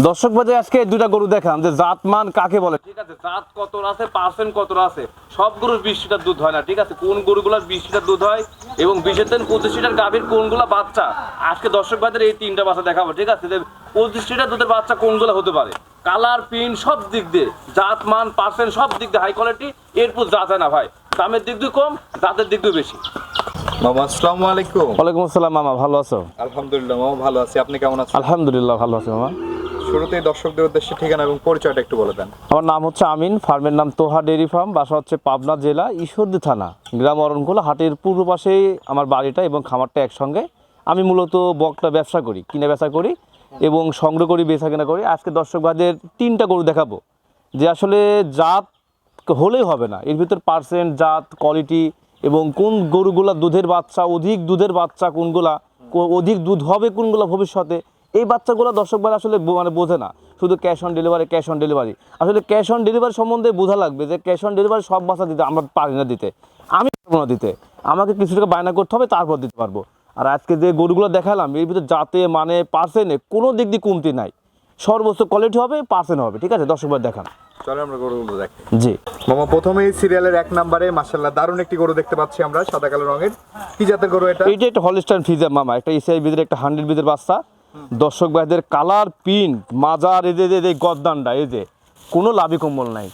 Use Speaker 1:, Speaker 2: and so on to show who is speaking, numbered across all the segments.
Speaker 1: দর্শক বাজে আজকে দুইটা গরু দেখাম যে জাতমান কাকে বলে, ঠিক আছে, জাত কত আছে, পার্সেন্ট কত আছে। সব গরুর 20 লিটার দুধ হয় না, ঠিক আছে, কোন গরুগুলোর 20 লিটার দুধ হয় এবং 20 থেকে 25 লিটার গাভীর কোনগুলা বাচ্চা। আজকে দর্শক বাজারে এই তিনটা বাচ্চা দেখাবো, ঠিক আছে, যে 25 লিটার দুধের বাচ্চা কোনগুলো হতে পারে, কালার প্রিন্ট সব দিক দিয়ে, জাত মান পার্সেন্ট সব দিক দিয়ে হাই কোয়ালিটি। এরপর জাত হয় না ভাই, দামের দিক দিয়ে কম, জাতের দিক দিয়ে বেশি।
Speaker 2: মামা আসসালামু আলাইকুম।
Speaker 1: ওয়ালাইকুম আসসালাম। মামা ভালো আছো?
Speaker 2: আলহামদুলিল্লাহ মামা ভালো আছি, আপনি কেমন আছেন?
Speaker 1: আলহামদুলিল্লাহ ভালো আছি মামা।
Speaker 2: শুরুতেই দর্শকদের উদ্দেশ্যে ঠিকানা এবং পরিচয়টা একটু বলে দেন।
Speaker 1: আমার নাম হচ্ছে আমিন, ফার্মের নাম তোহা ডেইরি ফার্ম, বাসা হচ্ছে পাবনা জেলা ঈশ্বরদী থানা, গ্রাম অরণকুলা, হাটের পূর্ব পাশেই আমার বাড়িটা এবং খামারটা একসঙ্গে। আমি মূলত বকটা ব্যবসা করি, কিনে বেচা করি এবং সংগ্রহ করি, বেচা কেনা করি। আজকে দর্শক ভাইদের তিনটা গরু দেখাবো যে আসলে জাত হলেই হবে না, এর ভিতর পার্সেন্ট, জাত, কোয়ালিটি এবং কোন গরুগুলা দুধের বাচ্চা, অধিক দুধের বাচ্চা কোনগুলা, অধিক দুধ হবে কোনগুলা ভবিষ্যতে। এই বাচ্চাগুলো দর্শক ভাই আসলে বোঝে না, শুধু ক্যাশ অন ডেলিভারি। আসলে ক্যাশ অন ডেলিভারি সম্বন্ধে বোঝা লাগবে যে ক্যাশ অন ডেলিভারি সব বাচ্চা দিতে আমরা পারি না, দিতে আমি পারবো না দিতে, আমাকে কিছু টাকা বায়না করতে হবে, তারপর দিতে পারবো। আর আজকে যে গরুগুলো দেখালাম এর ভিতরে জাতে মানে পার্সেন্টে কোনো দিক দিয়ে কমতি নাই, সর্বোচ্চ কোয়ালিটি হবে, পার্সেন্ট হবে, ঠিক আছে। দর্শক ভাই দেখান,
Speaker 2: চলো আমরা গরুগুলো দেখি।
Speaker 1: জি
Speaker 2: মামা প্রথমেই সিরিয়ালের 1 নম্বরে মাশাআল্লাহ দারুণ একটি গরু দেখতে পাচ্ছি আমরা, সাদা কালো রঙের। কি জাতের গরু এটা?
Speaker 1: এইটা একটা হলস্টাইন ফ্রিজিয়ান মামা, একটা এসিআই ভিতরে একটা 100 ভিতরে বাচ্চা। দর্শক ভাইদের কালার প্রিন্ট মাজার, এই যে গদ্দানটা, এই যে কোনো লাভি কম্বল নাই,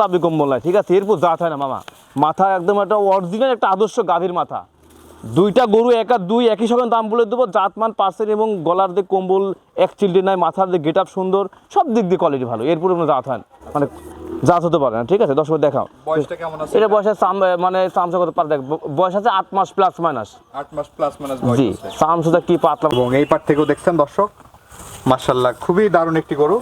Speaker 1: ঠিক আছে। এরপর জাত হয় না মামা, মাথা একদম একটা অরিজিনাল একটা আদর্শ গাভীর মাথা। দুইটা গরু একই সঙ্গে দাম বলে দেবো, জাতমান পার্সেন্ট এবং গলার যে কম্বল এক চিলটি নাই, মাথার যে গেট আপ সুন্দর, সব দিক দিয়ে কোয়ালিটি ভালো। এরপরে কোনো জাত হয় না, মানে জাত হতে পারে না, ঠিক আছে। দর্শক দেখাও
Speaker 2: বয়সটা কেমন আছে?
Speaker 1: এটা বয়সে মানে চামচা কত পার, দেখ বয়স আছে 8 মাস প্লাস মাইনাস।
Speaker 2: 8 মাস প্লাস মাইনাস বয়স
Speaker 1: জি,
Speaker 2: আছে।
Speaker 1: চামচা কি পাতলা।
Speaker 2: এবং এই পাট থেকেও দেখছেন দর্শক, মাশাআল্লাহ খুবই দারুণ একটি গরু।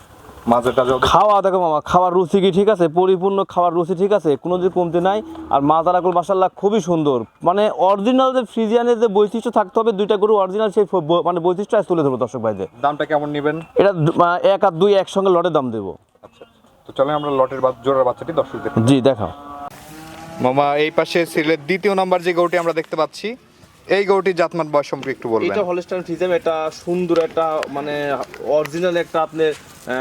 Speaker 2: মাজাটা যত
Speaker 1: খাওয়া দেখো মামা, খাওয়ার রুচি কি ঠিক আছে, পরিপূর্ণ খাওয়ার রুচি ঠিক আছে, কোনো যে কমতি নাই। আর মাজারাগুলো মাশাআল্লাহ খুবই সুন্দর, মানে অরিজিনাল যে ফ্রিজিয়ানের যে বৈশিষ্ট্য থাকতে হবে, দুইটা গরু অরিজিনাল সেই মানে বৈশিষ্ট্য আজ তুলে ধরবো দর্শক ভাইদের।
Speaker 2: দামটা কেমন নেবেন?
Speaker 1: এটা 1 আর 2 একসঙ্গে লটে দাম দেবো।
Speaker 2: আচ্ছা, তো চলেন আমরা লটের জোড়ার বাচ্চাটি দর্শকদের।
Speaker 1: জি দেখাও
Speaker 2: মামা এই পাশে সিরিয়ালের 2য় নাম্বার যে গরুটি আমরা দেখতে পাচ্ছি, এই গরুটির জাতমান বয়স সম্পর্কে একটু বলবেন।
Speaker 1: এটা হলস্টাইন ফ্রিজিয়ান, এটা সুন্দর একটা মানে অরিজিনাল একটা আপনার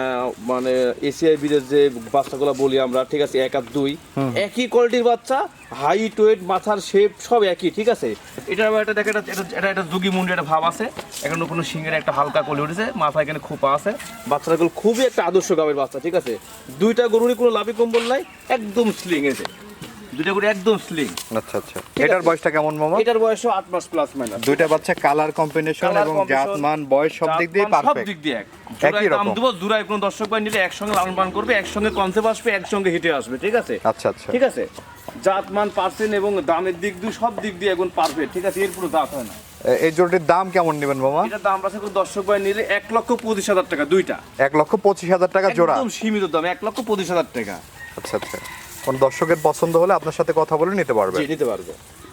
Speaker 1: মানে এসিআই বিদের যে বাচ্চাগুলো বলি আমরা, ঠিক আছে, 1 আর 2 একই কোয়ালিটির বাচ্চা, হাইট ওয়েট মাথার শেপ সব একই, ঠিক আছে। এটা দেখে এটা যুগি মুন্ডি একটা ভাব আছে, এখানে কোনো সিংহের একটা হালকা কলি উঠেছে, মাথা এখানে খোপা আছে। বাচ্চাগুলো খুবই একটা আদর্শ গাবের বাচ্চা, ঠিক আছে। দুইটা গরুরই কোনো লাভি কম্বল নাই, একদম স্লিং এসে দুইটা গরু একদম স্লিং।
Speaker 2: আচ্ছা আচ্ছা, এটার বয়সটা কেমন মামা?
Speaker 1: এটার বয়সও 8 মাস প্লাস মাইনাস।
Speaker 2: দুইটা বাচ্চা কালার কম্বিনেশন এবং জাতমান বয়স সব দিক দিয়ে
Speaker 1: সব
Speaker 2: পারফেক্ট,
Speaker 1: দিক দিয়ে
Speaker 2: একই রকম।
Speaker 1: দাম দেবো, জোড়ায় কোনো দর্শক ভাই নিলে একসঙ্গে লালন পালন করবে, একসঙ্গে কনসেপ্ট আসবে, একসঙ্গে হিটে আসবে, ঠিক আছে।
Speaker 2: আচ্ছা আচ্ছা,
Speaker 1: ঠিক আছে, জাতমান পার্সেন্ট এবং দামের দিক দিয়ে সব দিক দিয়ে এখন পারফেক্ট, ঠিক আছে। এর পুরো জাত হয় না।
Speaker 2: এই জোড়াটির দাম কেমন নেবেন মামা?
Speaker 1: এটার দাম আছে কোনো দর্শক ভাই নিলে 1,25,000 টাকা দুইটা।
Speaker 2: 1,25,000 টাকা জোড়া,
Speaker 1: একদম সীমিত দাম, 1,25,000 টাকা।
Speaker 2: আচ্ছা আচ্ছা, কোন দর্শকের পছন্দ হলে আপনার সাথে কথা বলে নিতে পারবে।
Speaker 1: জি, নিতে পারবে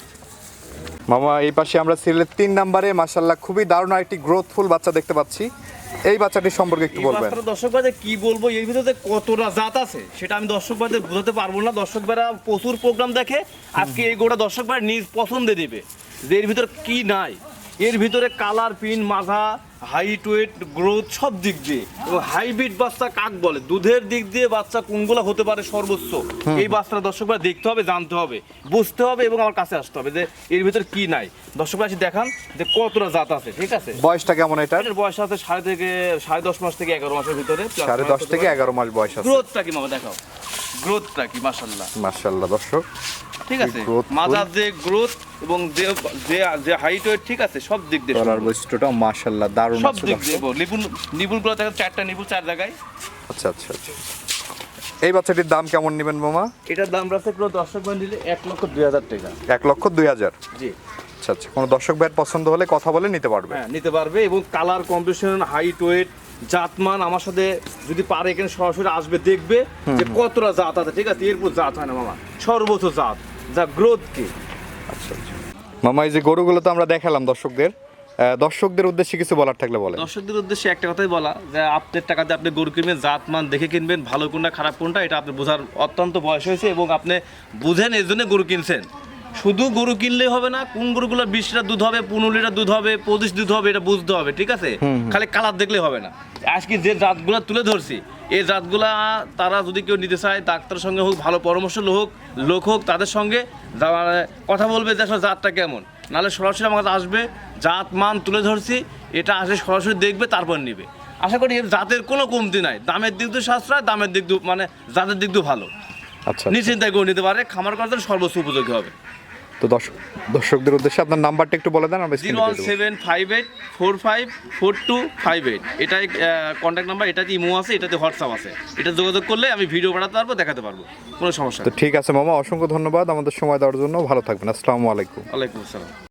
Speaker 2: মামা এই পাশে আমরা সিরিয়ালের 3 নম্বরে মাশাআল্লাহ খুবই দারুণ একটি গ্রোথফুল বাচ্চা দেখতে পাচ্ছি, এই বাচ্চাটির সম্পর্কে একটু বলবেন।
Speaker 1: দর্শক ভাইদের কি বলবো, এর ভিতরে কতটা জাত আছে সেটা আমি দর্শক ভাইদের বোঝাতে পারবো না। দর্শক ভাইরা প্রচুর প্রোগ্রাম দেখে, আজকে এই গোটা দর্শক ভাই নিজ পছন্দে দেবে যে এর ভিতরে কি নাই। এর ভিতরে কালার প্রিন্ট, মাথা, হাইট ওয়েট, গ্রোথ সব দিক দিয়ে, এবং হাইব্রিড বাচ্চা কাক বলে, দুধের দিক দিয়ে বাচ্চা কোনগুলো হতে পারে সর্বোচ্চ, এই বাচ্চাটা দর্শক ভাই দেখতে হবে, জানতে হবে, বুঝতে হবে এবং আমার কাছে আসতে হবে যে এর ভিতরে কি নাই। দর্শক ভাই দেখান যে কতটা জাত আছে, ঠিক আছে।
Speaker 2: বয়সটা কেমন এটার?
Speaker 1: এর বয়স আছে 10.5 মাস থেকে 11 মাসের ভিতরে,
Speaker 2: 10.5 থেকে 11 মাস বয়স আছে।
Speaker 1: গ্রোথটা কি মামা দেখাও, গ্রোথটা কি মাশাআল্লাহ
Speaker 2: মাশাআল্লাহ দর্শক,
Speaker 1: ঠিক আছে।
Speaker 2: growth,
Speaker 1: মাজার যে গ্রোথ এবং যে হাইট ওয়েট, ঠিক আছে, সব দিক দিয়ে
Speaker 2: গলার বৈশিষ্ট্যটা মাশাআল্লাহ দারুণ
Speaker 1: সব
Speaker 2: আছে
Speaker 1: দিক দিয়ে।
Speaker 2: দর্শক।
Speaker 1: নিপুলগুলো দেখেন, 4টা নিপুল 4 জায়গায়।
Speaker 2: আচ্ছা আচ্ছা আচ্ছা, এই বাচ্চাটির দাম কেমন নেবেন মামা?
Speaker 1: এটার দাম রাখছে কোনো দর্শক ভাই নিলে 1,02,000 টাকা।
Speaker 2: 1,02,000।
Speaker 1: জি
Speaker 2: আচ্ছা আচ্ছা, কোনো দর্শক ভাইয়ের পছন্দ হলে কথা বলে নিতে পারবে।
Speaker 1: হ্যাঁ, নিতে পারবে এবং কালার কম্বিনেশন, হাইট ওয়েট, জাতমান আমার সাথে যদি পারে এখানে সরাসরি আসবে, দেখবে যে কতটা জাত আছে, ঠিক আছে। এরপর জাত হয় না মামা, সর্বোচ্চ জাত, যা গ্রোথ কি।
Speaker 2: আচ্ছা আচ্ছা মামা, এই যে গরুগুলো তো আমরা দেখালাম দর্শকদের উদ্দেশ্যে কিছু বলার থাকলে বলেন।
Speaker 1: দর্শকদের উদ্দেশ্যে একটা কথাই বলা, যে আপনার টাকাতে আপনি গরু কিনবেন, জাতমান দেখে কিনবেন, ভালো কোনটা খারাপ কোনটা এটা আপনি বোঝার অত্যন্ত বয়স হয়েছে এবং আপনি বুঝেন, এই জন্য গরু কিনছেন। শুধু গরু কিনলেই হবে না, কোন গরুগুলো 20 লিটার দুধ হবে, 15 লিটার দুধ হবে, 25 দুধ হবে, এটা বুঝতে হবে, ঠিক আছে? খালি কালার দেখলে হবে না। আজকে যে জাতগুলো তুলে ধরছি, এই জাতগুলা তারা যদি কেউ নিতে চায়, ডাক্তারের সঙ্গে হোক, ভালো পরামর্শ লোক হোক, তাদের সঙ্গে কথা বলবে যে আসলে জাতটা কেমন। নাহলে সরাসরি আমার কাছে আসবে, জাত মান তুলে ধরছি, এটা আসলে সরাসরি দেখবে, তারপর নিবে। আশা করি এর জাতের কোনো কমতি নাই, দামের দিক দিয়ে সাশ্রয়, দামের দিক দিয়ে মানে জাতের দিক দিয়ে ভালো।
Speaker 2: আচ্ছা,
Speaker 1: নিশ্চিন্তায় করে নিতে পারে, খামার করার জন্য সর্বোচ্চ উপযোগী হবে।
Speaker 2: তো দর্শকদের উদ্দেশ্যে আপনার নাম্বারটা একটু বলে দেন, আমরা স্ক্রিনে দিয়ে দেব।
Speaker 1: 01758454258, এটাই কন্ট্যাক্ট নাম্বার। এটাতে ইমো আছে, এটাতে হোয়াটসঅ্যাপ আছে। এটা যোগাযোগ করলে আমি ভিডিও পাঠাতে পারবো, দেখাতে পারবো, কোনো সমস্যা
Speaker 2: তো
Speaker 1: নেই।
Speaker 2: ঠিক আছে মামা, অসংখ্য ধন্যবাদ আমাদের সময় দেওয়ার জন্য। ভালো থাকবেন, আসসালামু আলাইকুম।
Speaker 1: ওয়ালাইকুম আসসালাম।